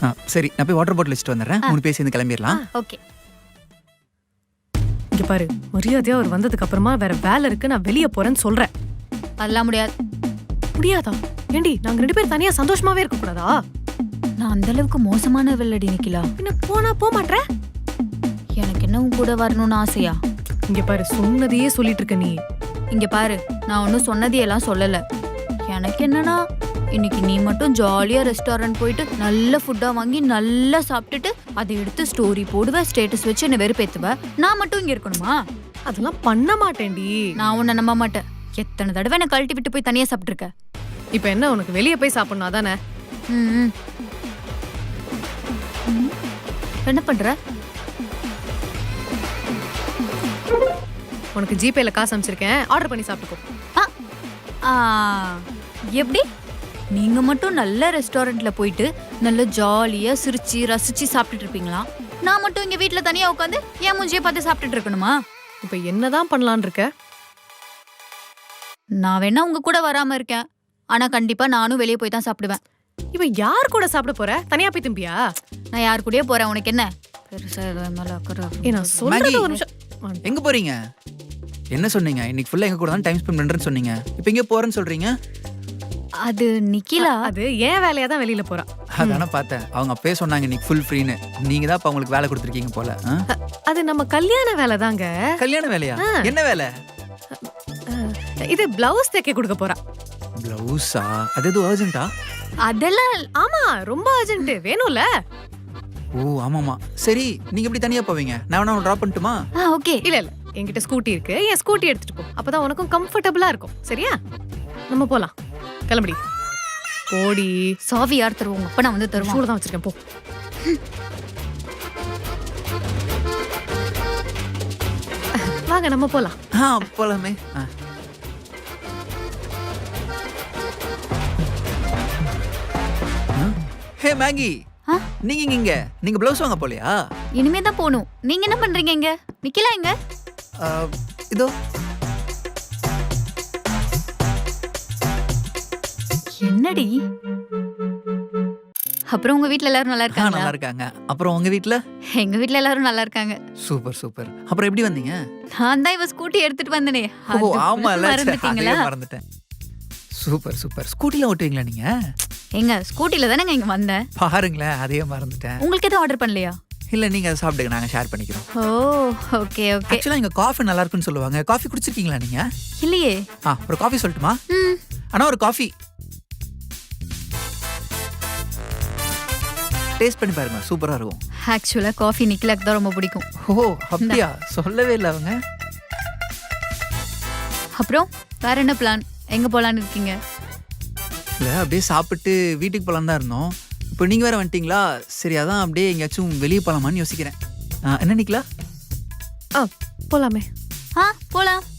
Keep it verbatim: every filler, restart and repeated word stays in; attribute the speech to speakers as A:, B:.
A: சரி நான் போய் வாட்டர் பாட்டில் வச்சுட்டு வந்துடுறேன். மூணு பேர் சேர்ந்து கிளம்பிடலாம்.
B: ஓகே.
C: இங்க பாரு, மரியாதையா அவர் வந்ததுக்கு அப்புறமா வேற வேலை இருக்கு, நான் வெளியே போறேன்னு சொல்றேன்.
B: அதெல்லாம் முடியாது.
C: முடியாதா? ஏண்டி நாங்க ரெண்டு பேரும் தனியா சந்தோஷமாவே இருக்க கூடாதா?
B: நான் அந்த அளவுக்கு மோசமான வெள்ளடி நிக்கலா.
C: பின்ன போனா போக மாட்டேன்.
B: எனக்கு என்ன உன் கூட வரணும்னு ஆசையா?
C: இங்க பாரு, சொன்னதையே சொல்லிட்டு இருக்க நீ.
B: இங்க பாரு, நான் ஒன்னும் சொன்னதையெல்லாம் சொல்லல. எனக்கு என்னன்னா, இன்னைக்கு நீ மட்டும் ஜாலியா ரெஸ்டாரண்ட் போயிட்டு நல்ல ஃபுட்டா வாங்கி நல்லா சாப்பிட்டுட்டு அதை எடுத்து ஸ்டோரி போடுவ, ஸ்டேட்டஸ் வச்சு என்ன வெறுப்பேத்துவ. நான் மட்டும் இங்க இருக்கணுமா?
C: அதெல்லாம் பண்ண மாட்டேன்டி.
B: நான் உன்னை நம்ப மாட்டேன். எத்தனை தடவை என்ன கழட்டி விட்டு போய் தனியா சாப்பிட்டு இருக்க.
C: இப்ப என்ன உனக்கு வெளியே போய் சாப்பிடணும் அதானே?
B: ம். என்ன பண்ற?
C: உனக்கு ஜிபேல காசு அனுப்பிச்சிருக்கேன், ஆர்டர் பண்ணி சாப்பிட்டுக்கோ.
B: ஆ, எப்படி? நீங்க மட்டும் நல்ல ரெஸ்டாரண்ட்ல போயிட்டு நல்ல ஜாலியா சிரிச்சு ரசிச்சு சாப்பிட்டுட்டு இருப்பீங்களா? நான் மட்டும் இங்க வீட்டுல தனியா உட்காந்து என் மூஞ்சியை பார்த்து சாப்பிட்டுட்டு இருக்கணுமா?
C: இப்ப என்னதான் பண்ணலான் இருக்க?
B: நான் வேணா உங்க கூட வராம இருக்கேன், ஆனா கண்டிப்பா நானும் வெளியே போய் தான் சாப்பிடுவேன்.
C: இப்ப யார் கூட சாப்பிட போற? தனியா போய் திம்பியா?
B: நான் யார் கூடயே போறேன், உனக்கு என்ன? பெருசா மேல அக்கறை.
C: ஏ, நான் சொல்றது ஒரு நிமிஷம்.
A: எங்க போறீங்க? என்ன சொன்னீங்க? இன்னைக்கு ஃபுல்லா எங்க கூட தான் டைம் ஸ்பெண்ட் பண்றேன்னு சொன்னீங்க. இப்போ எங்க போறேன்னு சொல்றீங்க?
B: அது நிக்கிலா.
C: அது ஏன் வேலையா தான் வெளியில போறா.
A: அதானே பார்த்தேன். அவங்க அப்பவே சொன்னாங்க இன்னைக்கு ஃபுல் ஃப்ரீன்னு. நீங்க தான் இப்ப அவங்களுக்கு வேலை கொடுத்துருக்கீங்க போல.
C: அது நம்ம கல்யாண வேலை தாங்க.
A: கல்யாண வேலையா? என்ன வேலை?
C: இது பிளவுஸ் தைக்க கொடுக்க போறா.
A: பிளவுஸா? அது எதுவும் அர்ஜென்ட்டா?
B: அதெல்லாம்
C: ஆமா, ரொம்ப அர்ஜென்ட். வேணும்ல?
A: ஓ ஆமாமா. சரி, நீங்க எப்படி தனியா போவீங்க? நான் வேணா டிராப் பண்ணட்டுமா?
B: ஓகே.
C: இல்ல இல்ல, என்கிட்ட ஸ்கூட்டி இருக்கு. என் ஸ்கூட்டி எடுத்துட்டு போ, அப்பதான் உனக்கும் கம்ஃபர்டபுளா இருக்கும். சரியா? நம்ம போலாம். கிளம்படி. போடி.
B: சாவி யார் தருவோம்? அப்ப நான் வந்து தருவோம்.
C: சூடு தான் வச்சிருக்கேன், போ. வாங்க நம்ம போலாம்.
A: ஆ போலாமே. ஹே மேகி, நீங்க இங்க நீங்க பிளவுஸ் வாங்க போலையா?
B: இனிமே தான் போணும். நீங்க என்ன பண்றீங்க இங்க? நிக்கலா இங்க?
A: இதோ.
B: என்னடி? அப்புறம் உங்க வீட்ல எல்லாரும் நல்லா இருக்காங்க?
A: நல்லா இருக்காங்க. அப்புறம் உங்க வீட்ல?
B: எங்க வீட்ல எல்லாரும் நல்லா இருக்காங்க.
A: Super super. அப்புறம் எப்படி வந்தீங்க?
B: நான் தான் இவ ஸ்கூட்டி எடுத்துட்டு வந்தனே.
A: ஓ ஆமால,
B: மறந்துட்டீங்களா?
A: மறந்துட்டேன். Super super. ஸ்கூட்டில ஓட்டுவீங்களா நீங்க?
B: எங்க ஸ்கூட்டில தானே இங்க வந்தேன்.
A: பாருங்களேன், அதையே மறந்துட்டேன்.
B: உங்களுக்கு எதுவும் ஆர்டர் பண்ணலையா?
A: இல்ல, நீங்க அதை சாப்பிடுங்க, நாங்க ஷேர் பண்ணிக்கிறோம்.
B: Oh okay okay.
A: ஆக்சுவலா இங்க காஃபி நல்லா இருக்குன்னு சொல்லுவாங்க. காஃபி குடிச்சிருக்கீங்களா நீங்க?
B: இல்லையே.
A: ஆ, ஒரு காஃபி சொல்லட்டுமா?
B: ம்.
A: அண்ணா ஒரு காஃபி. டேஸ்ட் பண்ணி பாருங்க, சூப்பரா இருக்கும்.
B: ஆக்சுவலா காஃபி நிக்கலாக்கு தான் ரொம்ப பிடிக்கும்.
A: ஓ அப்படியா? சொல்லவே இல்லை அவங்க.
B: அப்புறம் வேற என்ன பிளான்? எங்க போலான்னு இருக்கீங்க?
A: இல்லை, அப்படியே சாப்பிட்டு வீட்டுக்கு போகலான்னு தான் இருந்தோம். இப்போ நீங்கள் வேற வந்துட்டீங்களா? சரி, அதான் அப்படியே எங்கேயாச்சும் வெளியே போகலாமான்னு யோசிக்கிறேன். என்ன நிக்கலா?
C: ஆ போலாமே.
B: ஆ போலாம்.